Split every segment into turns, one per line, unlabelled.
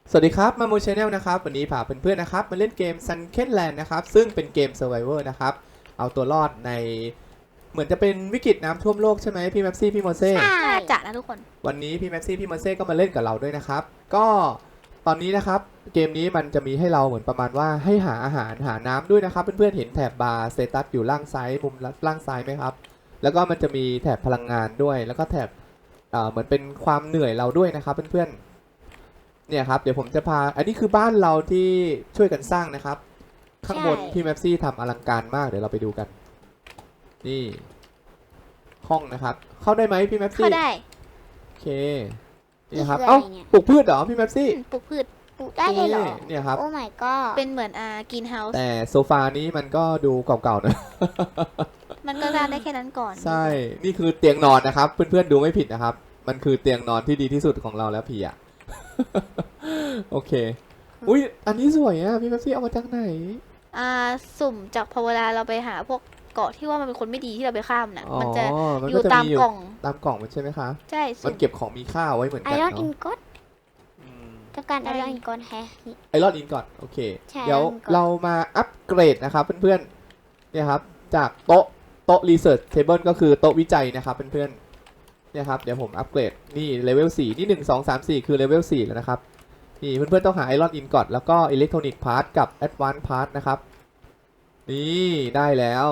สวัสดีครับมามูชแนลนะครับวันนี้พาเพื่อนๆนะครับมาเล่นเกม Sunken Land นะครับซึ่งเป็นเกม Survivor นะครับเอาตัวรอดในเหมือนจะเป็นวิกฤตน้ำท่วมโลกใช่ไหมพี่แม็ปซี่พี่โมเซ่
น่าจะนะทุกคน
วันนี้พี่แม็ปซี่พี่โมเซ่ก็มาเล่นกับเราด้วยนะครับก็ตอนนี้นะครับเกมนี้มันจะมีให้เราเหมือนประมาณว่าให้หาอาหารหาน้ำด้วยนะครับเพื่อนๆเห็นแถบบาร์สเตตัสอยู่ล่างซ้ายมุมล่างซ้ายไหมครับแล้วก็มันจะมีแถบพลังงานด้วยแล้วก็แถบเหมือนเป็นความเหนื่อยเราด้วยนะครับเพื่อนๆเนี่ยครับเดี๋ยวผมจะพาอันนี้คือบ้านเราที่ช่วยกันสร้างนะครับข้างบนพี่แม็ปซี่ทำอลังการมากเดี๋ยวเราไปดูกันนี่ห้องนะครับเข้าได้ไหมพี่แม็ปซี่
เข้าได้
โอเคนี่ครับเอ้าปลูกพืชเหรอพี่แม็ปซี่
ปลูกพืช
ปลูกได้เลยเหรอ
เนี่ยครับ
โอ้ my god
เป็นเหมือนกรีนเฮาส์
แต่โซฟานี้มันก็ดูเก่าๆนะ
มันก็สร้างได้แค่นั้นก่อน
ใช่ นี่คือเตียงนอนนะครับ เพื่อนๆดูไม่ผิดนะครับ มันคือเตียงนอนที่ดีที่สุดของเราแล้วพี่อะ โอเค อุ้ยอันนี้สวยอะพี่แม็ปซี่เอามาจากไหน
สุ่มจากพอเวลาเราไปหาพวกเกาะที่ว่ามันเป็นคนไม่ดีที่เราไปข้ามน่ะ
อ๋อ
มันจะ
มัน
อ
ก็
ยู่
จะ
ตาม
มีอยู่
กล่อง
ตามกล่องมันใช่ไหมคะ
ใช่
มันเก็บของมีค่าไว้เหมือน
ไอ
กัน
รอนอิ
เนาะ
นก็ต้องการไอรอนอินก็แฮะ
ไอรอนอินก่อนโอเค
ใช่
เดี๋ยว
Iron Ingot
เรามาอัปเกรดนะครับเพื่อนๆเนี่ยครับจากโต๊ะ research table ก็คือโต๊ะวิจัยนะครับเพื่อนๆเนี่ยครับเดี๋ยวผมอัปเกรดนี่เลเวล4นี่1 2 3 4คือเลเวล4แล้วนะครับนี่เพื่อนๆต้องหาไอรอนอินก่อนแล้วก็อิเล็กทรอนิกส์พาร์ทกับแอดวานซ์พาร์ทนะครับนี่ได้แล้ว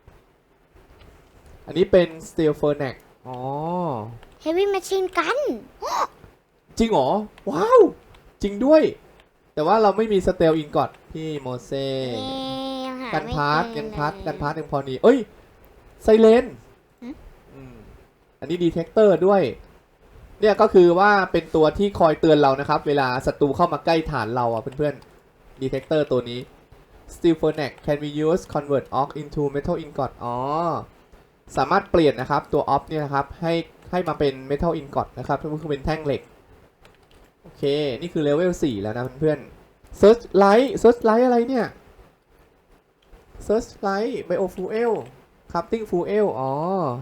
อันนี้เป็น steel furnace อ๋อ
เฮฟวี่แมชชีนกัน
จริงเหรอว้าวจริงด้วย แต่ว่าเราไม่มีสเตลอินกอดพี่โมเซ่
ยังหา
กัน
ไม่
พาร์ท
เจอ
กันพาร์ท
เลย
กันพาร์ทยังพอดีเอ้ยไซเลนอันนี้ดีเทคเตอร์ด้วยเนี่ยก็คือว่าเป็นตัวที่คอยเตือนเรานะครับเวลาศัตรูเข้ามาใกล้ฐานเราอ่ะเพื่อนๆดีเทคเตอร์ตัวนี้ Steel Furnace can be used convert ox into metal ingot อ๋อสามารถเปลี่ยนนะครับตัว ox เนี่ยนะครับให้มาเป็น metal ingot นะครับก็คือเป็นแท่งเหล็กโอเคนี่คือเลเวล4แล้วนะเพื่อนๆ Searchlight อะไรเนี่ย Searchlight Biofuel Crafting Fuel อ๋อ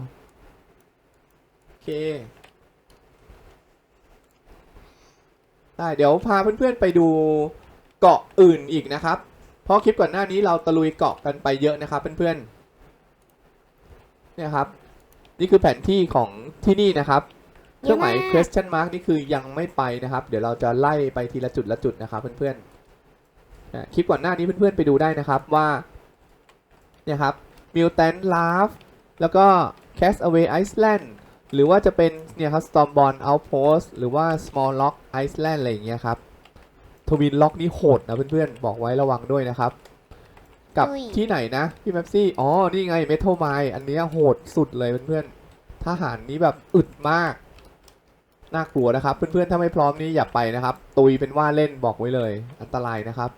โอเคได้เดี๋ยวพาเพื่อนๆไปดูเกาะอื่นอีกนะครับเพราะคลิปก่อนหน้านี้เราตะลุยเกาะกันไปเยอะนะครับเพื่อนๆเนี่ยครับนี่คือแผนที่ของที่นี่นะครับเครื่องหมาย question mark นี่คือยังไม่ไปนะครับเดี๋ยวเราจะไล่ไปทีละจุดละจุดนะครับเพื่อนๆคลิปก่อนหน้านี้เพื่อนๆไปดูได้นะครับว่าเนี่ยครับ Mutant Laugh แล้วก็ Castaway Island หรือว่าจะเป็นเนี่ยครับ Stormborn Outpost หรือว่า Small Rock Island อะไรอย่างเงี้ยครับ Twin Rock นี่โหดนะเพื่อนๆบอกไว้ระวังด้วยนะครับกับที่ไหนนะพี่แม็ปซี่อ๋อนี่ไง Metal Mine อันเนี้ยโหดสุดเลยเพื่อนๆทหารนี้แบบอึดมากน่ากลัวนะครับเพื่อนๆถ้าไม่พร้อมนี่อย่าไปนะครับตุยเป็นว่าเล่นบอกไว้เลยอันตรายนะครับ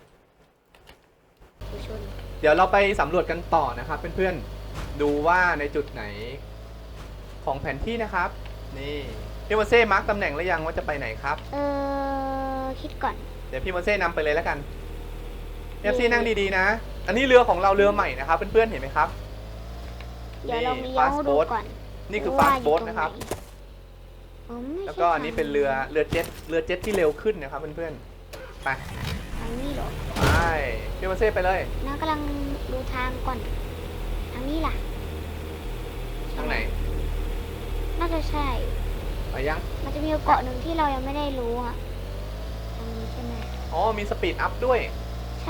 เดี๋ยวเราไปสำรวจกันต่อนะครับเพื่อนๆดูว่าในจุดไหนของแผนที่นะครับนี่พี่โมเซ่มาร์กตำแหน่งแล้วยังว่าจะไปไหนครับ
คิดก่อน
เดี๋ยวพี่โมเซ่นำไปเลยแล้วกันเอฟซีนั่งดีๆนะอันนี้เรือของเราเรือใหม่นะครับเพื่อนๆเห็นไหมครับ
เดี๋ยวเราเลี้ยวดูก่อน
นี่คือฟาสต์โบ๊ทนะครับ
แล้
แล้ว วก็อันนี้เป็นเรือเจ็ตที่เร็วขึ้นนะครับเพื่อนๆไป
ทางนี้เหรอ
ไปพี่โมเซ่ไปเลย
น้ากำลังดูทางก่อนทางนี้ล่ะ
ทางไหน
น่าจะใช่
ไปยัง
มันจะมีเกาะหนึ่งที่เรายังไม่ได้รู้อ่ะทางนี้ใช่ไหม
อ๋อมีสปีดอัพด้วย
ใช่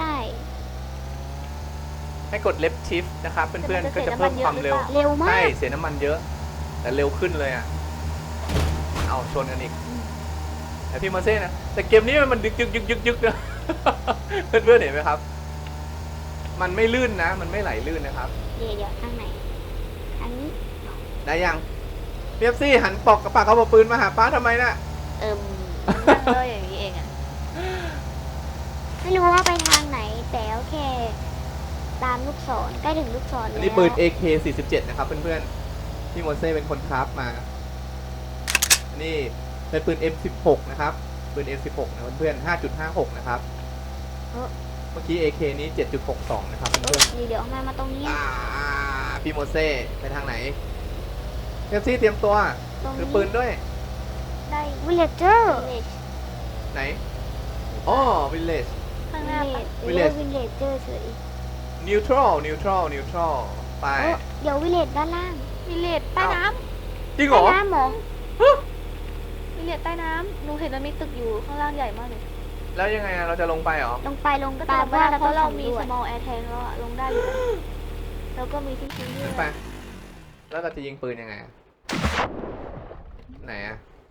ให้กด left shift นะครับเพื่อนๆก็จะเพิ่มความเร็ว
เร็วมา
ใช่
ก
เสียน้ำมันเยอะ แต่เร็วขึ้นเลยอ่ะเอาชนกันอีกแต่พี่โมเซ่นะแต่เกมนี้มันยึกนะ เพื่อนๆเห็นไหมครับ มันไม่ลื่นนะ มันไม่ไหลลื่นนะครับ
เดี๋ยวทางไหนทางนี้
ได้ยังเปียบซี่หันปอกกระปากเอาปืนมาหาป้าทำไมน่ะ
นั่งเลยอย่างนี้เองอะ
ไม่รู้ว่าไปทางไหนแต่โอเค ตามลูกศรใกล้ถึงลูกศร
อั
แล้
น
ว
นี้ปืน AK47 นะครับเพื่อนๆพี่โมเซ่เป็นคนคราฟมาอันนี้เป็นปืน M16 นะครับปืน M16 นะเพื่อนๆ5.56 นะครับเมื่อกี้ AK นี้ 7.62 นะครับเพื่อนๆ
เดี๋ยวมาตรงนี้
พี่โมเซ่ไปทางไหนเปียบซี่เตรียมตัว
ตรง
ถื
นี้
อปืนด้วย
ได้วิลเลเจอร์
ไหนอ๋อ village
ข้างหน้าปะ
วิลเลจวิลเลจเจอเฉย
neutral ไป
เดี๋ยววิลเลจด้านล่าง
วิลเลจใต้น้
จริงเหร
ใต้
อ
น้ำเหรอ
ำวิลเลจใต้น้ำหนูเห็นมันมีตึกอยู่ข้างล่างใหญ่มากเลย
แล้วยังไงอะเราจะลงไปเหรอ
ลงไป
ก็
ตา
ตาม ม
ว่า
ว่าแล้วเพราะเรามี
สำวจ
small air tank แล้วอะลงได้อยู่นะแล้วก็มีที่ทิ้งด้ว
ขึ้
ย
นไป แล้วเราจะยิงปืนยังไงอะไหนอะ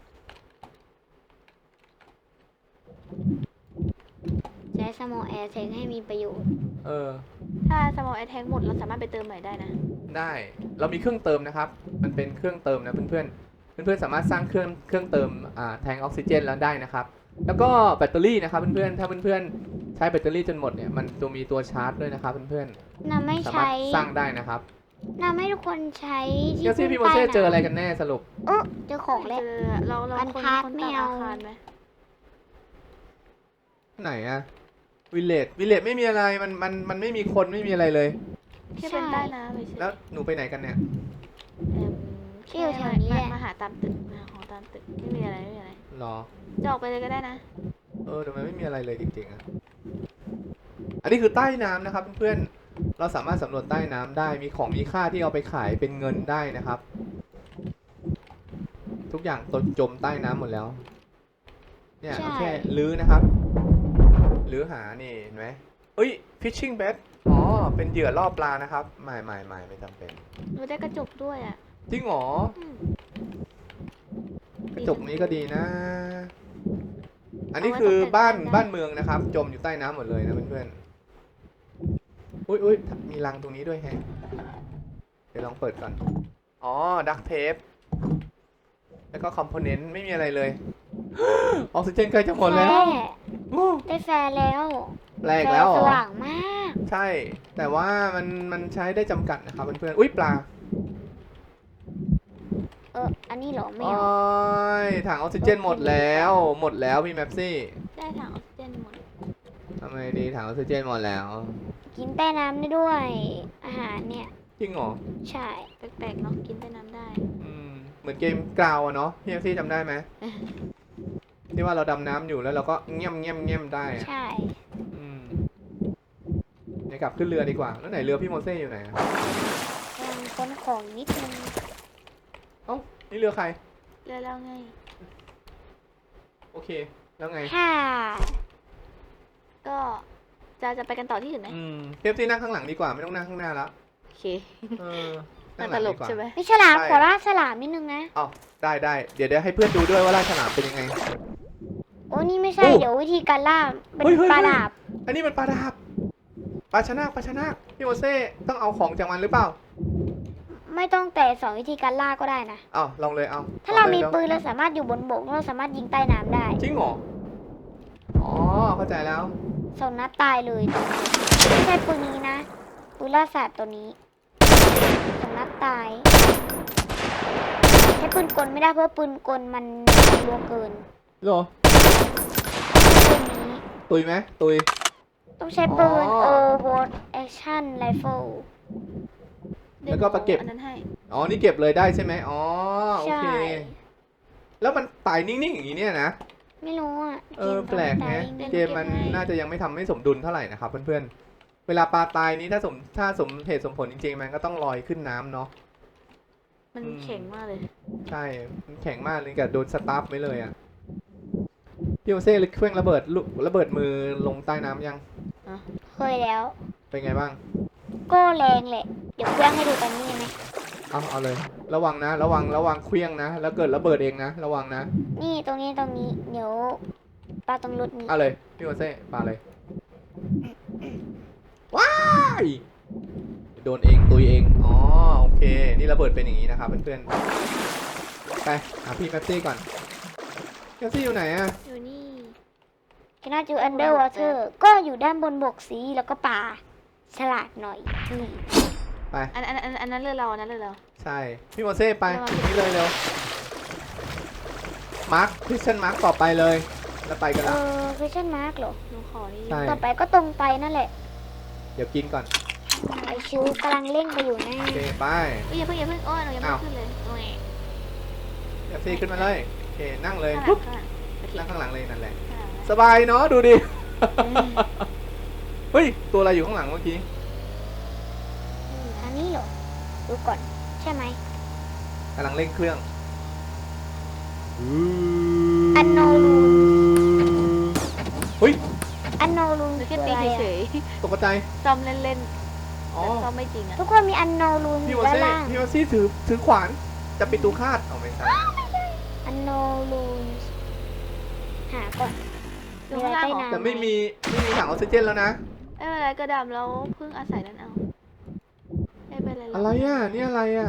ใช้สมอแอร์เทงให้มีประโยชน์
เออ
ถ้า small air tank หมดเราสามารถไปเติมใหม่ได้นะ
ได้ เรามีเครื่องเติมนะครับ มันเป็นเครื่องเติมนะเพื่อนๆ เพื่อนๆสามารถสร้างเครื่องเติมแทงออกซิเจนแล้วได้นะครับ แล้วก็แบตเตอรี่นะครับเพื่อนๆ ถ้าเพื่อนๆใช้แบตเตอรี่จนหมดเนี่ย มันจะมีตัวชาร์จด้วยนะครับเพื่อน
น่าไม่
ๆ สามารถ
ใช้
สร้างได้นะครับ
น่าไม่ทุกคนใช้
เดี๋ยวซี่พี่โมเซ่เจออะไรกันแน่สรุป
เจอของแล้ว
เจอเรา
บรร
คน
ทัด
คน
ไม่
ตาม
เอา
อาคารไหม
ไหนอะวิลเลจไม่มีอะไร มันไม่มีคนไม่มีอะไรเลย
แค่เป็นใต้น้ำเฉยๆ
แล้วหนูไปไหนกันเนี่ย
แค่มาหาตามตึกมาหาของตามตึกไม่มีอะไรไม่มีอะไร
หรอ
จะออกไปเลยก็ได้นะ
แต่มันไม่มีอะไรเลยจริงๆอะอันนี้คือใต้น้ำนะครับเพื่อนๆ เราสามารถสำรวจใต้น้ำได้ มีของมีค่าที่เอาไปขายเป็นเงินได้นะครับ ทุกอย่างตนจมใต้น้ำหมดแล้ว เนี่ยเราแค่ลื้อนะครับ ลื้อหานี่เห็นไหมเอ้ย fishing bait อ๋อ เป็นเหยื่อล่อปลานะครับ ไม่จำเป็น
หนูได้กระจกด้วยอ่ะ
จริงเหรอ
อืม
กระจกนี้ก็ดีนะ อันนี้คือบ้านเมืองนะครับ จมอยู่ใต้น้ำหมดเลยนะเพื่อนๆ อุ้ยมีรังตรงนี้ด้วยแฮะ เดี๋ยวลองเปิดก่อน อ๋อ ดักเทป แล้วก็คอมโพเนนต์ไม่มีอะไรเลย ออกซิเจนใกล้จะหมดแล้ว โอ้
ได้แฟร์แล้ว
แปลกแล้วเหร
ส
อ
ว่างมาก
ใช่ แต่ว่ามันใช้ได้จำกัดนะครับเพื่อนๆ อุ้ยปลา
อันนี้เหรอไม่
โอ้
เอา
ยถังออกซิเจนหมดแล้วพี่แมปซี่
ได้ถังออกซิเจนหมด
ทำไมดีถังออกซิเจนหมดแล้ว
กินใต้น้ำได้ด้วย อาหารเนี่ย
จริงเหรอ
ใช่
แปลกๆเนาะกินใต้น้ำได้
เหมือนเกมกราวอะเนาะพี่แมปซี่จำได้ไหม ที่ว่าเราดำน้ำอยู่แล้วเราก็เงียบได้อะ
ใช่
เดี๋ยวกลับขึ้นเรือดีกว่า แล้วไหนเรือพี่โมเซ่อยู่ไหนอะ
กำลังค้นของนิดนึง
นี่เรือใคร
เรือเราไง
โอเค แล้วไง
ค่ะ
ก็จะไปกันต่อที่อื่นไหม
พี่แมปซี่นั่งข้างหลังดีกว่าไม่ต้องนั่งข้างหน้าแล้ว
โอเค
นั่
มัน
งห
ต
ลัง
ล
ดี
ก
กว่า
ใช่ไหม
มีฉลามขอล่าฉลามนิดนึงนะ
ได้ เดี๋ยวให้เพื่อนดูด้วยว่าล่าฉลามเป็นยังไง
โอ้นี่ไม่ใช่
โอ้
เดี๋ยววิธีการล่าเป็น
เฮ้ย
ปลาดาบ
อันนี้มันปลาดาบปลาชะนาคพี่โมเซ่ต้องเอาของจากมันหรือเปล่า
ไม่ต้องแต่สอนวิธีการล่าก็ได้นะ
ลองเลยเอา
ถ้าเรามี
ลองลย
ปืนเราสามารถอยู่บนบกเราสามารถยิงใต้น้ำได้
จริงเหรอ อ๋อ เข้าใจแล้ว
สองนัดตายเลยไม่ใช่ปืนนี้นะปืนล่าสัตว์ตัวนี้สองนัดตายใช้ปืนกลไม่ได้เพราะปืนกลมันรัวเกิน
เหรอ
ปืนนี้
ตุยไหมตุย
ต้องใช้ปืน
อ๋อ
Overwatch Action Rifle
แล้วก็ไปเก็บ
อันนั้นให้
อ๋อ นี่เก็บเลยได้ใช่ไหมอ๋อ โอ
ใช่
เค แล้วมันตายนิ่งๆอย่างนี้เนี่ยนะ
ไม่รู้อ่ะ
แปลกแฮะเกมมันน่าจะยังไม่ทำให้สมดุลเท่าไหร่นะครับเพื่อนๆ เวลาปลาตายนี้ถ้าสมเหตุสมผลจริงๆ มันก็ต้องลอยขึ้นน้ำเนาะ
มันแข็งมากเลย
ใช่ มันแข็งมากเลยกับโดนสตาร์ฟไว้เลยอ่ะ พี่โอเซ่เครื่องระเบิดมือลงใต้น้ำยัง
เคยแล้ว
เป็นไงบ้าง
ก็แรงแหละ เดี๋ยวเครื่องให้ดูตอนนี้ไหม
เอาเลย ระวังนะ ระวังเครื่องนะ แล้วเกิดระเบิดเองนะ ระวังนะ
นี่ตรงนี้เดี๋ยวปลาตรงรถนี้
เอาเลย พี่โอเซ่ปาเลย ว้ายโดนเองตุยเอง อ๋อ โอเค นี่ระเบิดเป็นอย่างนี้นะครับเพื่อนๆ ไปหาพี่แป๊บซี่ก่อนแป๊บซี่อยู่ไหนอะ
อยู่นี่
คณะจู Underwater ก็อยู่ด้านบนบกสีแล้วก็ป่าฉลาดหน่อยนี่
ไป
อันนั้นเรือเราอันนั้นเรือเรา
ใช่ พี่โมเซ่ไป
ระวัง
ตรงนี้เลยเร็ว มาร์คพิชชั่นมาร์คต่อไปเลย แล้วไปกันแล้ว
question mark เหรอ
หนูขอนี่
ใช่
ต่อไปก็ตรงไปนั่นแหละ
เดี๋ยวกินก่อน
ไอชิวกำลังเร่งไปอยู่นะ
โอเค ไป
อย่าเพิ่งโอ้ยหนูยังไม่
อ้าว
ขึ้นเลยโอ้ย
แป๊บซี่ขึ้นมาเลย โอเค นั่งเลย
ข้างหลั
ปุ๊
ง
บ
ข้างหลังโอเค
นั่งข้างหลังเลยนั่นแหละ
ข้างหลังนะ
สบายเนาะดูดิ เฮ้ย ตัวอะไรอยู่ข้างหลังเมื่อกี้
อันนี้เหรอ ดูก่อน ใช่ไหม
กำลังเร่งเครื่อง
อันโนรูน
เฮ้ย
อันโนรูน
หรือ
คื
แค่
อ
ตี
อะไร
เฉ
อะ
ย
ตกใจ
ๆซ้อมเล่นๆ
อ๋อ
แต่ซ้อมไม่จริงอะ
ทุกคนมีอันโนรูนอ
พี่
ยู่
วอ
ด้าน
เซ่
ล่าง
พี่วอซี่ถือขวาน จะปิดตูคาดเอาไม่ใช่
อันโนรูนหาก่อน
อยู่ข้างล่างเหรอ
มีอะไรใต้น้ำ
แต่ไม่มีถังออกซิเจนแล้วนะ
ไม่เป็นไรกระดำแล้วพึ่งอาศัยนั่นเอาไม่เป็นไรหก
อะไรอ่ะ นี่อะไรอ่ะ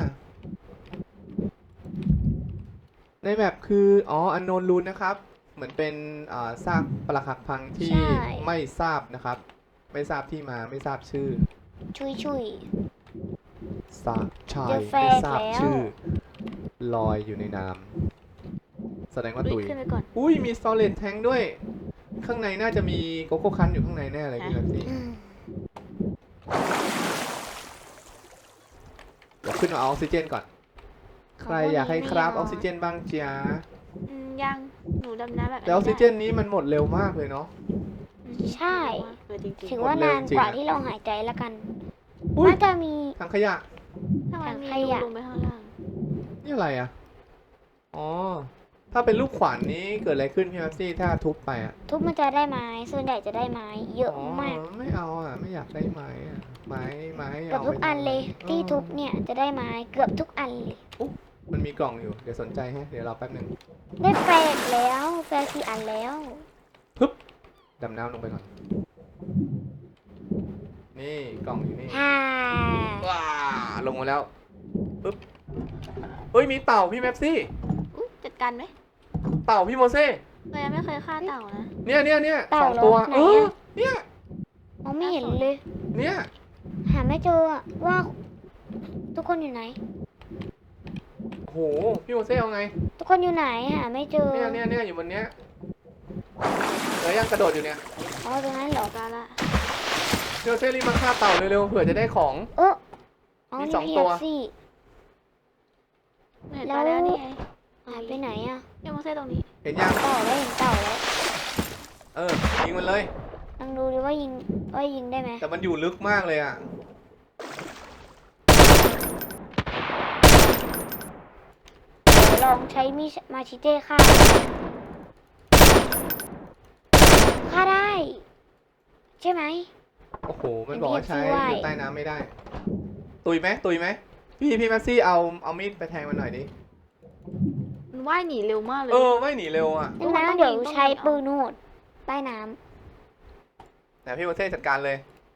ในแบบคืออ๋ออันโนนรูนนะครับ เหมือนเป็นซากปรักหักพังที่ไม่ทราบนะครับ ไม่ทราบที่มาไม่ทราบชื่อ
ชุย
ทราบชาย
เจอแฟ
ไม่
ก
ทราบ
แล้ว
ชื่อ ลอยอยู่ในน้ำแสดงว่า
ลุ
ตุ
ย
ย
ขึ้นไปก่อน
อุ้ยมีสตอเรจแทงด้วย ข้างในน่าจะมีโกโก้คันอยู่ข้างในแน่เลยพี่แบบนี้
อืม
เดี๋ยวขึ้นมาเอาออกซิเจนก่อน ใครอยากให้ครับออกซิเจนบ้างจ๊ะ
ยังหนูดำน้ำแบบ
แต่ออกซิเจนนี้มันหมดเร็วมากเลยเนาะ
ใช่
เออจริง
ถือว่านานกว่าที่เราหายใจแล้วกัน
อุ้ย
น่าจะมี
ถังขยะ
ๆถ้ามันมี
ถังขยะ
ลงไปข้างล่าง
นี่อะไรอ่ะ อ๋อ ถ้าเป็นลูกขวานนี้เกิดอะไรขึ้นพี่แม็ซี่ถ้าทุบไปอ่ะ
ทุบมันจะได้ไม้ ส่วนใหญ่จะได้ไม้ เยอะมาก
ไม่เอาอ่ะ ไม่อยากได้ไม้อ่ะ ไม้
เกือบทุกอันเลย ที่ทุบเนี่ยจะได้ไม้ เกือบทุกอันเลย
มันมีกล่องอยู่ เดี๋ยวสนใจฮะ เดี๋ยวรอแป๊บหนึง
ได้แฟกแล้วแฟก4 อันแล้ว
ดำน้ำลงไปก่อน นี่กล่องอยู่นี่
ฮ่า
ว้าลงมาแล้ว ปึ๊บ เฮ้ย มีเต่าพี่แม็ซี่
อุ๊ยจัดการไหม
เต่าพี่โมเซ่
เรายังไม่เคยฆ่าเต่านะ
เนี่ย
เต่า
สองตัว
เหรอไหน
เออ
อะ
เนี่ย
มองไม่เห็นเลย
เนี่ย
หาไม่เจออะว่าทุกคนอยู่ไหน
โห พี่โมเซ่เอาไง
ทุกคนอยู่ไหนหาไม่เจอ
เนี่ยอยู่บนเนี้ยเดี๋ยวยังกระโดดอยู่เนี่ย
อ๋อตรงนั้นเหรอ
การละ
พี่โมเซ่รีบมาฆ่าเต่าเร็วๆ เผื่อจะได้ของ
เอออ๋อ
มี
นี่
สอง
พี
ตั
เอ
ว
ฟซี
เห็น
แล้
ป
ว
ลาแล้วนี่ไง
หายไปไหนอะ
เรียกมาเซ่ตรงนี้
เห็นยัง
เต่าแล้วเห็นเต่าแล้ว
ยิงมันเลย
ลองดูดิว่ายิงได้ไหม
แต่มันอยู่ลึกมากเลยอ่ะ
เดี๋ยวลองใช้มีดมาชิเต้ฆ่าได้ ใช่ไหม
โอ้โห มันบอกว่าใช้
เป็น PFC
อยู่ใต้น้ำไม่ได้ ตุยไหมพี่แมสซี่เอามีดไปแทงมันหน่อยดิ
มันว่ายหนีเร็วมากเลย
ไม่หนีเร็วอ่ะ
ดังนั้นเดี๋ยวใช้ปืนโหดใต้น้
แต่พี่โมเซ่จัดการเลย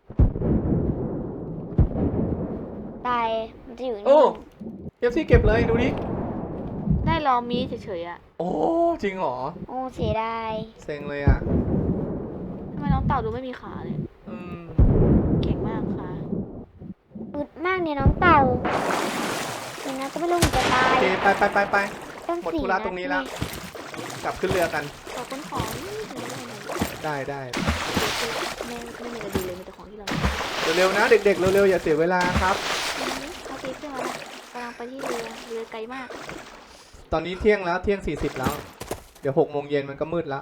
ำตายมันจะอยู่
โอ้
นี่
พี่แมสซี่เก็บเลยดูดิ
ได้ลองมีเฉยๆอะ
โอ้ จริงเหรอ
โอ้เสียดาย
เซ็งเลยอ่ะ
ทำไมน้องเต่าดูไม่มีขาเลย
อืม
เก่งมากค่ะ
อึดมากเนี่ยน้องเต่านี่นะก็ไม่รู้มันจะตา
โอย เคไป
ต้อง
หมด
สี่
ธุระ
นัด
ตรงนี้แล้ว
แ
กลับขึ้นเรือกัน
ขอบคุณของไม่มี
ได้
ไม่มีอะไรดีเลยมีแต่ของที่เรา
เร็วๆนะเด็กๆ เร็วๆ อย่าเสียเวลาครับ
โอเคขึ้นมาแล้วกำลังไปที่เรือไกลมาก
ตอนนี้เที่ยงแล้วเที่ยง 40 แล้ว เดี๋ยว6 โมงเย็นมันก็มืดแล้ว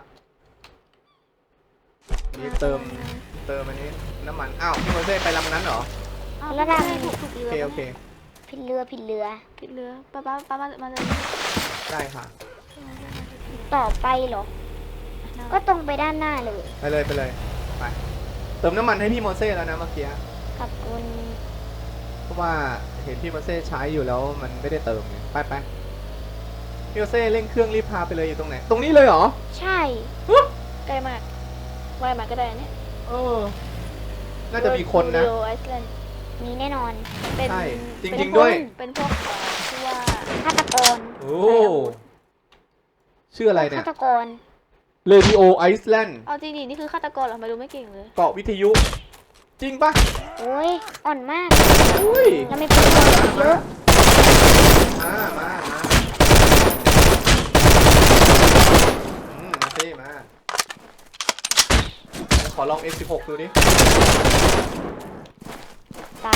นี่เติมอันนี้น้ำมัน อ้าวพี่โมเซ่ไปลำนั้นเหรอ
แล้วได้ถูก
โอ
เรือ
เค
ผิดเรือ
ผิดเรือป้ามาเลย
ได้ค่ะ
ต่อไปเหรอ ก็ตรงไปด้านหน้าเลย
ไปเลย ไป เติมน้ำมันให้พี่โมเซ่แล้วนะเมื่อกี้
ขอบคุณ
เพราะว่าเห็นพี่โมเซ่ใช้อยู่แล้วมันไม่ได้เติมไงไปพี่โมเซ่เร่งเครื่องรีบพาไปเลยอยู่ตรงไหน ตรงนี้เลยเหรอ
ใช่
ใกล้มากว่ายมาก็ได้เนี่ย
น่าจะมีคนนะ
ไอซ์แลนด์
มีแน่นอน
เป็น
ใช่จริงๆด้วย
เป็นพวกที่ว่า
ฆาตกร
โอ้ ชื่ออะไรเนี่ย
ฆาตกร
Radio Iceland
เอาจริงดินี่คือฆาตกรเหรอไม่รู้ไม่เก่งเลย
เกาะวิทยุ จริงปะ
โอ้ย อ่อนมาก
อุ้ย
เราไม่เป็นคนเยอะ
มาสิมาขอลอง F16 ดูดิ
ตาย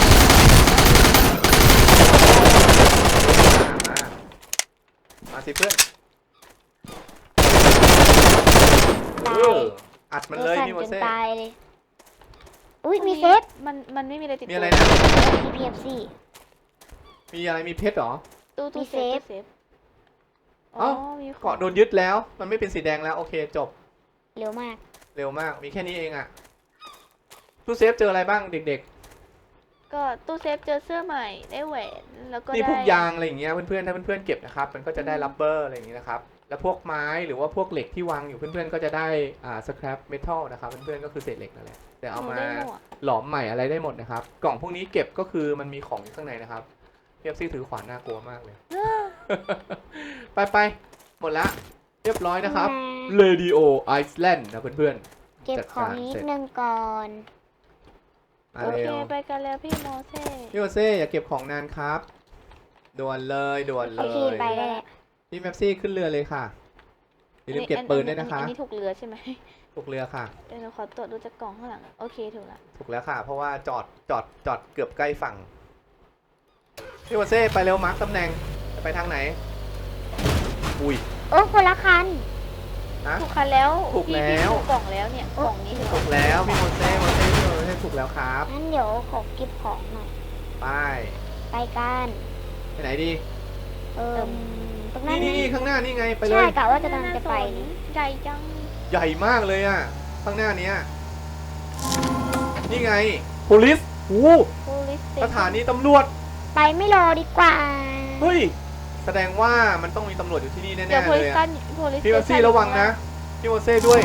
มาสิเพื่อน
ตตา
เอย ออัดมันเลย
สั่
พี่โม
จน
เซ่
ตายเลย อุ้ยมีเซฟ
มันไม่มีอะไรติด
มีอะไร
ตัว
นะ
มี PFC
มีอะไรมีเพชรเหรอ
ตู้
มี
เซฟ
เซฟ
อ๋อ
เอ้า
มีของ
เกาะโดนยึดแล้ว มันไม่เป็นสีแดงแล้ว โอเคจบ
เร็วมาก
เร็วมาก มีแค่นี้เองอะตู้เซฟเจออะไรบ้างเด็ก
ก็ตู้เซฟเจอเสื้อใหม่ได้แหวนแล้วก็
ๆ นี่
ได้
พวกยางอะไรอย่างเงี้ยเพื่อนๆ ถ้าเพื่อนๆ เก็บนะครับ มันก็จะได้รับเบอร์อะไรอย่างงี้นะครับ แล้วพวกไม้หรือว่าพวกเหล็กที่วางอยู่เพื่อนๆ ก็จะได้สแครปเมทัลนะครับ เพื่อนๆ ก็คือเศษเหล็กนั่นแหละ แต่เอา
หนู
มา
ได้หมวก
หลอมใหม่อะไรได้หมดนะครับ กล่องพวกนี้เก็บก็คือมันมีของอยู่ข้างในนะครับเพียบซี่ถือขวานน่ากลัวมากเลย ไปหมดละเรียบร้อยนะครับ Radio Iceland นะเพื่อน
เก็บของนิดนึงก่อน
ๆมา
โอเค
เร็ว
ไปกันแล้วพี่โมเซ่
พี่โอเซ่อย่าเก็บของนานครับด่วนเลยด่วน
โอ
เล
เค
ย
ไปได้แล้ว
พี่แมปซี่ขึ้นเรือเลยค่ะอย่าลืมเก็บปืนด้วยนะคะ
อันนี้ถูกเรือใช่ไหม
ถูกเรือค่ะ
เดี๋ยวหนูขอตรวจดูจากกล่องข้างหลังโอเคถูกละ
ถูกแล้วค่ะ เพราะว่าจอดเกือบใกล้ฝั่งพี่โอเซ่ไปเร็วมาร์คตำแหน่งจะไปทางไหนอุ้ย
โอ้คนละคัน
นะ
ถูกคันแล้ว
ถูก
พี่
แล้ว
ถูกกล่องแล้วเนี่ยกล่องนี้ถูก
ถูกแล้วพี่โมเซ่พี่โมเซ่ถูกแล้วครับ
งั้นเดี๋ยวขอเก็บของหน่อย
ไป
ไปกัน
ไปไหนดี
ตรงนั้น
นี่ข้างหน้านี่ไงไปเล
ใช่
ย
กะว่าจะกำลังจะไปนี่
ใหญ่จัง
ใหญ่มากเลยอ่ะ ข้างหน้าเนี้ยนี่ไง police โอ้
โพลิส
สถานีตำรวจ
ไปไม่รอดีกว่า
เฮ้ย แสดงว่ามันต้องมีตำรวจอยู่ที่นี่
เดี๋ยว
แน่ๆ
โพ
เล
ลิ
ย
สตั
อะ
นโพลิส
พี่โมเซ่ระวังนะ พี่โมเซ่ด้วย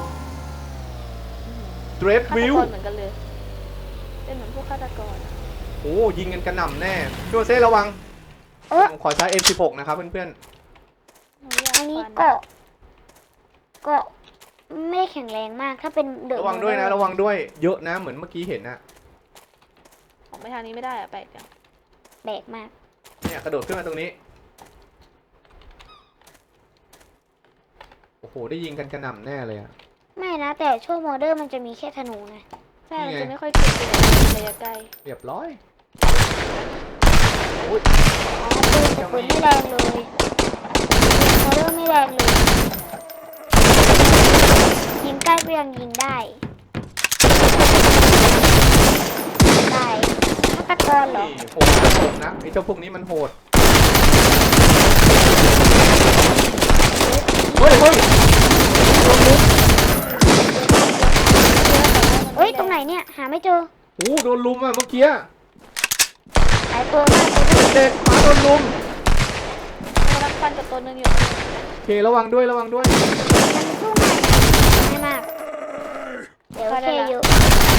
Dread
ฆาต
View
กรเหมือนกันเลยเป็นเหมือนพวกฆาตกร
โอ้ยิงกันกระหน่ำแน่ พี่โมเซ่ระวัง
เออ
ผมขอใช้ M16 นะครับเพื่อน
หนูอยาก
อันนี้
ฟัน
เกาะไม่ได้แข็งแรงมาก ถ้าเป็นเด
ๆ
อะ
ระวังด้วยนะ ระวังด้วย เยอะนะ เหมือนเมื่อกี้เห็นนะ
ออกไปทางนี้ไม่ได้อะแปลกจัง
แบกมาก
เนี่ยกระโดดขึ้นมาตรงนี้ โอ้โห ได้ยิงกันกระหน่ำแน่เลยอะ
ไม่นะ แต่ช่วงโมเดอร์มันจะมีแค่ธนูไง
ใช่
นี่
มัน
ไง
จะไม่ค่อยเก่งในระยะไกล
เรียบร้อยโอ้ย
อ๋อปืนไม่แรงเลยโมเดอร์ไม่แรงเลย ยิงใกล้ก็ยังยิงได้ได้ฆาตกรเหรอ
นี่โหดนะไอ้เจ้าพวกนี้มันโหด เฮ้ยเฮ้ย
เอ้ย ตรงไหนเนี่ย หาไม่เจอ
โอ้โดนลุมอ่ะเมื่อกี้
หลายตัวมากเลย
เด็กหมาโดนลุม
กำลังฟันกับตัวหนึงอยู่
โอเคระวังด้วยระวังด้วย
มันสู้ไม่มาก เดี๋ยวแค่เยอะ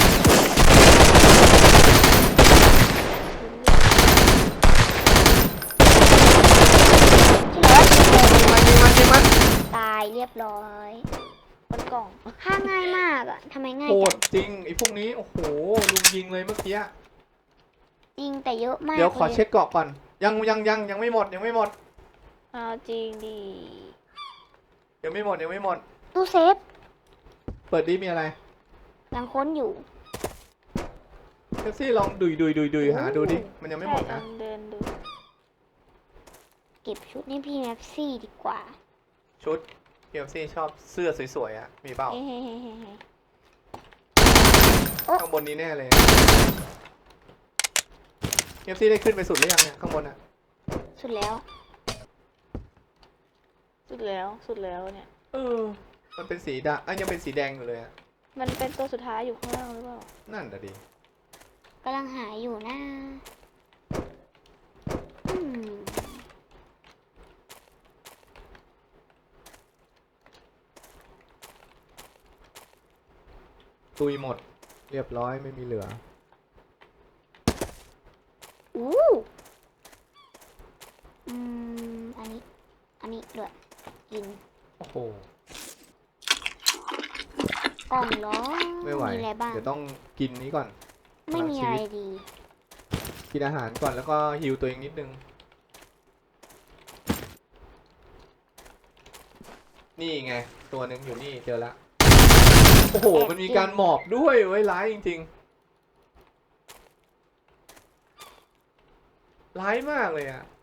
ที่เหลือ
มัน
ตายเรียบร้อย
บนกล่อง
ฆ่าง่ายมากอ่ะทำไมง่าย
โห
จั
ด
ง
จริงไอ้พวกนี้โอ้โหลุมยิงเลยเมื่อกี้
ยิงแต่เยอะมาก
เดี๋ยวขอ
ล
เช็คเกาะก่อนยังไม่หมดยังไม่หมด
เอาจริงดิ
ยังไม่หมดยังไม่หมด
ตู้เซฟ
เปิดดิมีอะไร
ยังค้นอยู่
เซฟซี่ลองดุยหาดูดิมันยังไม่หมดนะ
ใช่ลองเดินดู
เก็บชุดให้พี่แม็ปซี่ดีกว่า
ชุดเซฟซี่ชอบเสื้อสวยๆอ่ะมีเปล่า
เฮ้เฮ้เฮ้เฮ้เฮ้
ข้างบนนี้แน่เลยเซฟซี่ได้ขึ้นไปสุดหรือยังเนี่ยข้างบนอ่ะ
สุดแล้ว
สุดแล้วเนี่ย
มันเป็นสีดำยังเป็นสีแดงอยู่เลยอ่ะ
มันเป็นตัวสุดท้ายอยู่ข้างล่างหรือเปล่า
นั่นแต่ะดิ
กำลังหาอยู่นะอืม
ตุยหมด เรียบร้อยไม่มีเหลือ
อู้อันนี้ด้วยกิน
โอ้โห
กล่องล้อ
ไม่ไหว
มีอะไรบ้าง
เดี๋ยวต้องกินนี้ก่อน
ไม่มีอะไรดี
กินอาหารก่อนแล้วก็ฮิวตัวเองนิดนึง นี่ไง ตัวหนึ่งอยู่นี่เจอละโอ้โห มันมีการหมอบด้วยไว้ยร้ายจริงๆ ร้ายมากเลยอะ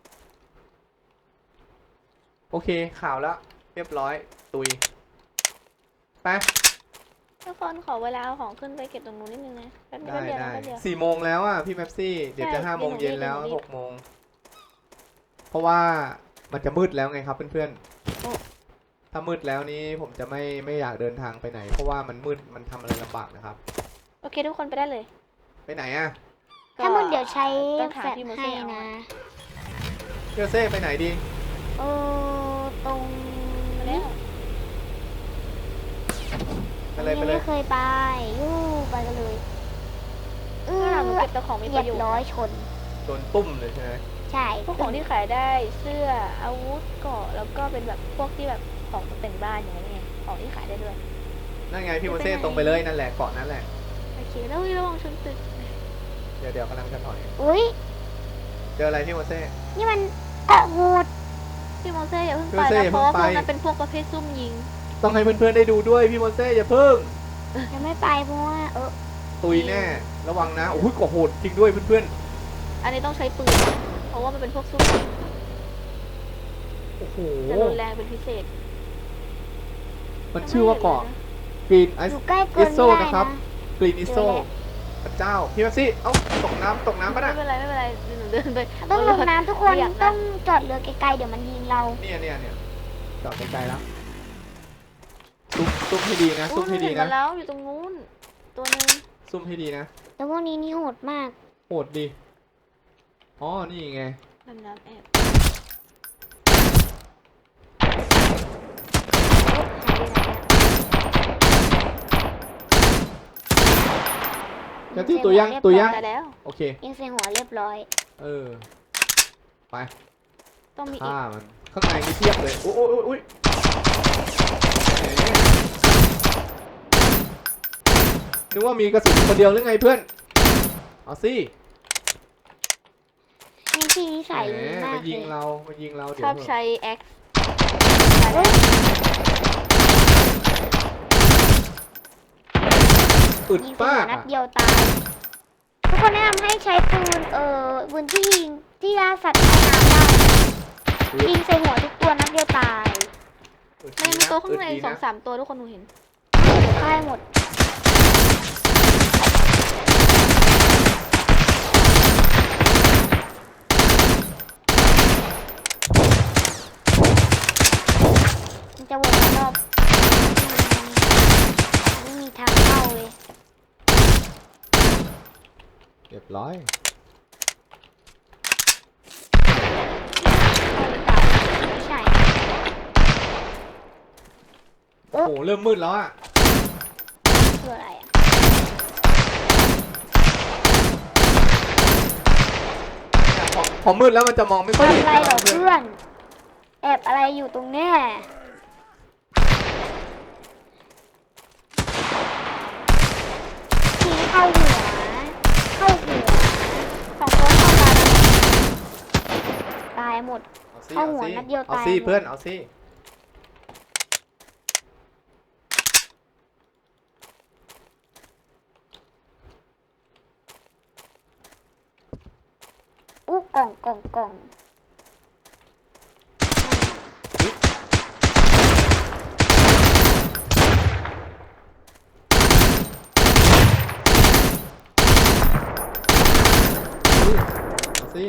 โอเคข่าวแล้วเรียบร้อยตุยไป
ทุกคนขอเวลาเอาของขึ้นไปเก็บตรงนู้นนิดนึงนะแป๊บ
ได้
เดียวนะ
ได้
แป๊บเดียว
4 โมงแล้วอ่ะพี่แม็ปซี่เดี๋ยวจะ
ใช่
5 โมงเย็นแล้ว
เดี๋ยวหนูรีบ
6 โมงเพราะว่ามันจะมืดแล้วไงครับเพื่อนๆถ้ามืดแล้วนี้ผมจะไม่อยากเดินทางไปไหน เพราะว่ามันมืดมันทำอะไรลำบากนะครับ
โอเคทุกคนไปได้เลย
ไปไหนอ่ะ
ถ้ามึงเดี๋ยวใช้
ต้อง
แฟ
หา
ลช
พี่โม
ให้
เซ่เอา
นะ
เที่ยวเซ่ไปไหนดี
เออตรง
มาแล้ว
ไปเลยไป
ยัง
เลย
ไม่เคยไปยู่ไปกันเลยเอ
ข้างหลังหนู
อ
เก็บแต่ของมี
เห
ป
ยีย
ระโย
บ
ชน์
ร้อยชน
โดนตุ้มเลยใช่ไหม
ใช่
พวกของที่ขายได้เสื้ออาวุธเกราะแล้วก็เป็นแบบพวกที่แบบของตกแต่งบ้านอย่างเงี้ยไงของที่ขายได้ด้วย
นั่นไงพี่โมเซ่ตรงไปเลยนั่นแหละเกาะนั้นแหละ
โอเคแล้วระวังชนตึก
เดี๋ยวกำลังจะถอย
อุ้ย
เจออะไรพี่โมเซ่
นี่มันเกาะโหด
พี่โมเซ่อย่าเพิ่ง
พี่
ไป
โมเซ่
นะเพราะว่า
อย่า
พ
เพิ่งไป
วกนั้นเป็นพวกประเภทซุ่มยิง
ต้องให้เพื่อนๆได้ดูด้วยพี่โมเซ่อย่าเพิ่ง
ยังไม่ไปเพราะว่า
ตุยแน่ระวังนะโอ้ยกว่าโหดจริงด้วยเพื่อน
อันนี้ต้องใช้ปืนเพราะว่ามันเป็นพวกซุ่มยิง
ๆโอ้โห
จะรุนแรงเป็นพิเศษ
มันชื่อว่าเกาะกรีนไอ
อ
ซ์
ยู่ใกล้เกิน
Iso
ไม่ได้
นะครับ
นะ
กรีนอิโซ
เจอแล้ว
พระเจ้าพี่แม็ปซี่เอ้าตกน้ำปะ
ไม่
น่ะ
เป็นไรไม่เป็นไรหนูเดินไป
ต้องลงน้ำทุกคน
ไม่อยากนะ
ต้องจอดเรือไกลๆเดี๋ยวมันยิงเรา
เนี่ยจอดไกลๆแล้วซุ่มให้ดีนะซุ่มให้ดี
เห็น
นะ
มาแล้วอยู่ตรงนู้นตัวหนึง
ซุ่มให้ดีนะ
แต่พวกนี้นี่โหดมาก
โหดดีอ๋อนี่ไง
ดำน้ำแอบ
แล้วที่ตัวย่าง
เรียบร้อย
ตัวย่าง
ตายแล้ว
โอเค
ยิงใส่หัวเรียบร้อย
เออไป
ต้องมีอี
ฆ่าก มันข้างในมีเทียบเลยโอ้ยแหมนึกว่ามีกระสุนคนเดียวหรือไงเพื่อนเอาสิ
นี่พี่นิสัย
แหม
ดีมาก
มายิง
เลย
เรามายิงเราเดี๋
ช
ยว
อบ
เถอะ
ใช้ X
อึด
ยิงใส่
ป้า
หัวนัดเดียวตาย ทุกคนแนะนำให้ใช้ปืนปืนที่ยิงที่ล่าสัตว์ใต้น้ำได้ยิงใส่หัวทุกตัวนัดเดียวตาย
อึด
มัน
ดี
ยังมี
นะ
ตัวข้างใน
อึดดี
สอง
นะ
สามตัวทุกคนหนูเห็น
ตายหมดมันจะวนรอบไม่มีทางเข้าเลย
เรียบร้อย
ไม่ใช่
โอ้โหเริ่มมืดแล้วอ่ะ
คืออะไรอ่ะ
พอมืดแล้วมันจะมองไม่ค่อย
ทำ
เห็น
อะไรเหรอ
เพื่อน
เพื่อน แอบอะไรอยู่ตรงเนี้ยทีเข้าหัว เข้าหัว
สองตัวเข้ามาแล้ว
ตายหมด
เอาสิ
เข้าหัว
เอาสิ
นัดเดียว
เอา
ตาย
สิ
หมด
เพื่อนเอาสิ
กล่อง
เอาสิ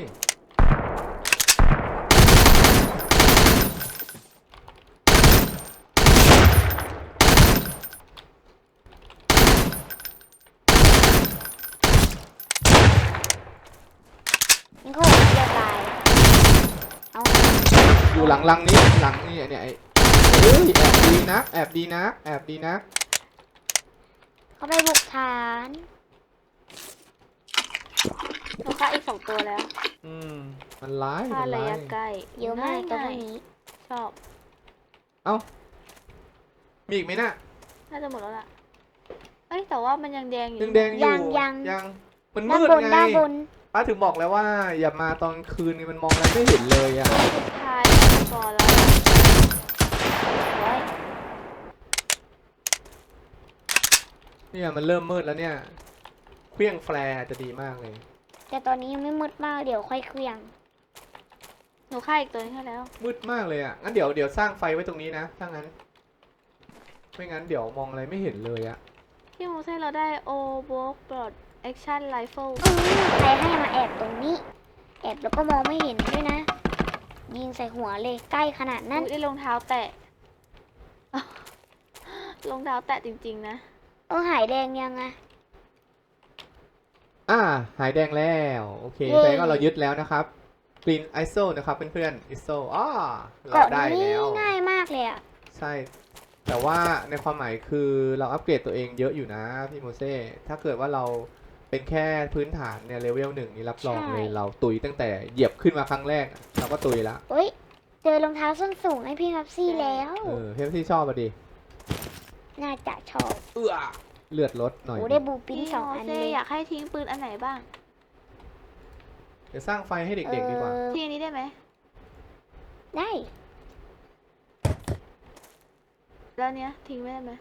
นี่เขาหัวนัดเดียวตาย เอา
อยู่หลังนี้หลังนี่เนี่ยไอ้เฮ้ยแอบดีนะแอบดีนะแอบดีนะ
เขาไปบุกฐาน
หนูฆ่าอีกสองตัวแล้ว
มันร้าย
ฆ่า
มัน
ระ
ร้าย
ยะใกล้
เยอะมากตัว
ง่าย
นี้
ๆชอบ
มีอีกไหมน่ะ
น่าจะหมดแล้วล่ะเอ้ยแต่ว่ามันยังแดงอยู่
ยังแดงอยู่
ยัง
ยังมัน
ด้าน
มืด
บน
ไง
ด้านบน
ป้าถึงบอกแล้วว่า อย่ามาตอนคืนนี่มันมองอะไรไม่เห็นเลยอ่ะ
สุดท้ายก่อนแล้ว
เนี่ยมันเริ่มมืดแล้วเนี่ยเครื่องแฟร์จะดีมากเลย
แต่ตอนนี้ยังไม่มืดมาก เดี๋ยวค่อยเคลียง
หนูฆ่าอีกตัวนึงให้แล้ว
มืดมากเลยอ่ะงั้นเดี๋ยวสร้างไฟไว้ตรงนี้นะถ้างั้น ไไม่งั้นเดี๋ยวมองอะไรไม่เห็นเลยอะ
พี่โมเซ่เราได้โอโบกปลอดแอคชั่นไรเฟิล
ใครให้มาแอบตรงนี้ แอบแล้วก็มองไม่เห็นด้วยนะ ยิงใส่หัวเลยใกล้ขนาดนั้น
ได้รองเท้าแตะ รองเท้าแตะจริงๆนะ
หายแดงยังอะ
หายแดงแล้วโอเค
เย้
แสดงว่าเรายึดแล้วนะครับ Green ISO นะครับเพื่อนๆ ISO เรา
เกาะ
ได้
นี้
แล้ว
ง่ายมากเลยอะ
ใช่ แต่ว่าในความหมายคือเราอัปเกรดตัวเองเยอะอยู่นะพี่โมเซ่ถ้าเกิดว่าเราเป็นแค่พื้นฐานเนี่ยเลเวล1นี่รับรองเลยเราตุยตั้งแต่เหยียบขึ้นมาครั้งแรกเราก็ตุยละ
เฮ้ย เจอรองเท้าส้นสูงให้พี่ครับซี่แล้ว
พี่ที่ชอบอ่ะดิ
น่าจะชอบ
เลือดลดหน่อย
โอ้ได้บูปิ้น
พี่
สอง
โม
อัน
เซ่
เลย
อยากให้ทิ้งปืนอันไหนบ้าง
เดี๋ยวสร้างไฟให้เด็กๆดีกว่า
ที่อันนี้ได้ไหม
ได้
แล้วเนี้ยทิ้งไม่ได้ไหม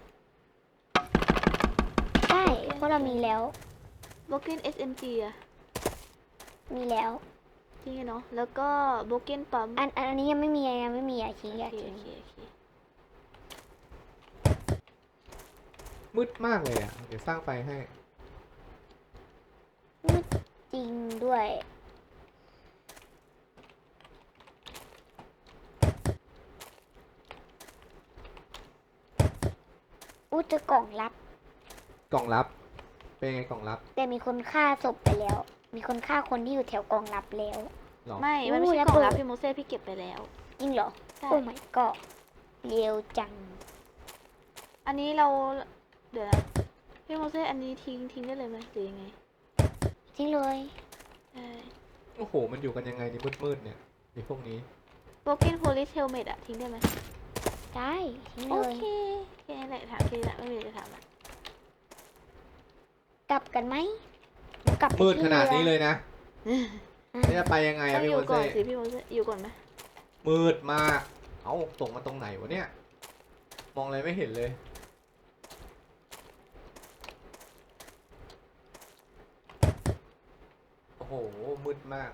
ได้เพราะเรามีแล้ว
โบเกน SMG อะ
มีแล้ว
ทิ้งไงเนาะแล้วก็โบเกนปั๊ม
อันนี้ยังไม่มีอะทิ้ง
โอ
อย่า
เค
ทิ้ง
โอเคโอเค
มืดมากเลยอ่ะ เดี๋ยวสร้างไฟให้
จริงด้วยเจอกล่องลับ
กล่องลับ เป็นไงกล่องลับ
แต่มีคนฆ่าศพไปแล้ว มีคนฆ่าคนที่อยู่แถวกล่องลับแล้ว
หรอ
ไม่ มันไม่
อู้
ใช่
แล้ว
กล่องลับ
เปิด
พี่โมเซ่พี่เก็บไปแล้ว
จริงเหรอ
ใช่
โอ้ my god เร็วจัง
อันนี้เรา เดี๋ยวนะพี่โมเซ่อันนี้ทิ้งได้เลยไหมหรือยังไง
จริงเลย
ใช่
โอ้โห มันอยู่กันยังไงในมืดๆเนี่ยไอ้พวกนี้
โบเกนโพลิสเฮลเมตอะทิ้งได้ไหม
ได้ทิ้ง
โอ
เลย
เคแค่นี้แหละถามแค่นี้แหละไม่มีอะไรจะถามละ
กลับกันไหมหนูกลับไป
มืด
ที่
ขนาดนี้
รือ
เลยนะ
อ่ะ
แล้วจะไปยังไง
ต้อ
อะ
ง
พี่
อ
โม
ยู่ก่อ
เซ่
นสิพี่โมเซ่อยู่ก่อนไหม
มืดมาก เอ้าตกมาตรงไหนวะเนี่ย มองอะไรไม่เห็นเลย โอ้โห มืดมาก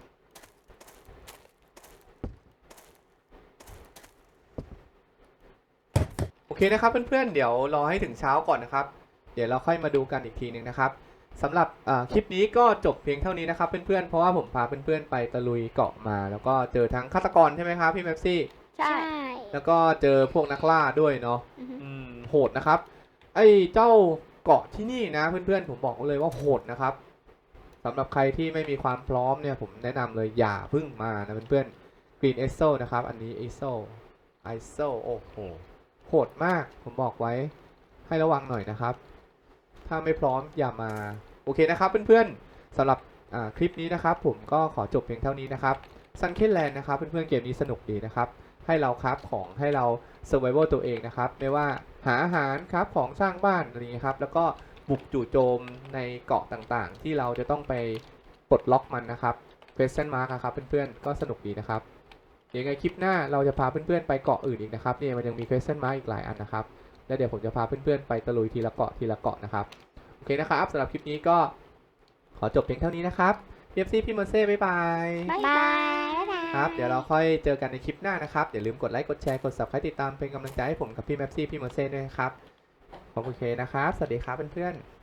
โอเคนะครับเพื่อนๆ เดี๋ยวรอให้ถึงเช้าก่อนนะครับ เดี๋ยวเราค่อยมาดูกันอีกทีหนึ่งนะครับสำหรับคลิปนี้ก็จบเพียงเท่านี้นะครับเพื่อนๆ เพราะว่าผมพาเพื่อนๆ ไปตะลุยเกาะมา แล้วก็เจอทั้งฆาตกรใช่ไหมครับพี่แม็ปซี่
ใช่
ใช่
แล้วก็เจอพวกนักล่าด้วยเนาะ
อือฮึ
โหดนะครับ ไอ้เจ้าเกาะที่นี่นะเพื่อนๆ ผมบอกเลยว่าโหดนะครับสำหรับใครที่ไม่มีความพร้อมเนี่ยผมแนะนำเลยอย่าเพึ่งมานะเพื่อนๆ Green ISO นะครับ อันนี้ ISO โอ้โหโหดมากผมบอกไว้ให้ระวังหน่อยนะครับ ถ้าไม่พร้อมอย่ามาโอเคนะครับเพื่อนๆสำหรับคลิปนี้นะครับ ผมก็ขอจบเพียงเท่านี้นะครับ Sunken Land นะครับเพื่อนๆเกมนี้สนุกดีนะครับให้เราคราฟของให้เรา survival ตัวเองนะครับไม่ว่าหาอาหารครับของสร้างบ้านอะไรอย่างนี้ครับแล้วก็บุกจู่โจมในเกาะต่างๆ ที่เราจะต้องไปปลดล็อกมันนะครับ question mark นะครับเพื่อนๆก็สนุกดีนะครับยังไงคลิปหน้าเราจะพาเพื่อนๆไปเกาะอื่นอีกนะครับเนี่ยมันยังมี question mark อีกหลายอันนะครับแล้วเดี๋ยวผมจะพาเพื่อนๆไปตะลุยทีละเกาะทีละเกาะนะครับโอเคนะครับสำหรับคลิปนี้ก็ขอจบเพียงเท่านี้นะครับPFC พี่โมเซ่บ๊ายบาย
บ๊าย
บา
บาย
ย
ครับเดี๋ยวเราค่อยเจอกันในคลิปหน้านะครับ อย่าลืมกดไลค์กดแชร์กด subscribe ติดตามเป็นกำลังใจให้ผมกับพี่แม็ปซี่พี่โมเซ่ด้วยนะครับขอบคุณเคนะครับ สวัสดีครับเพื่อนๆ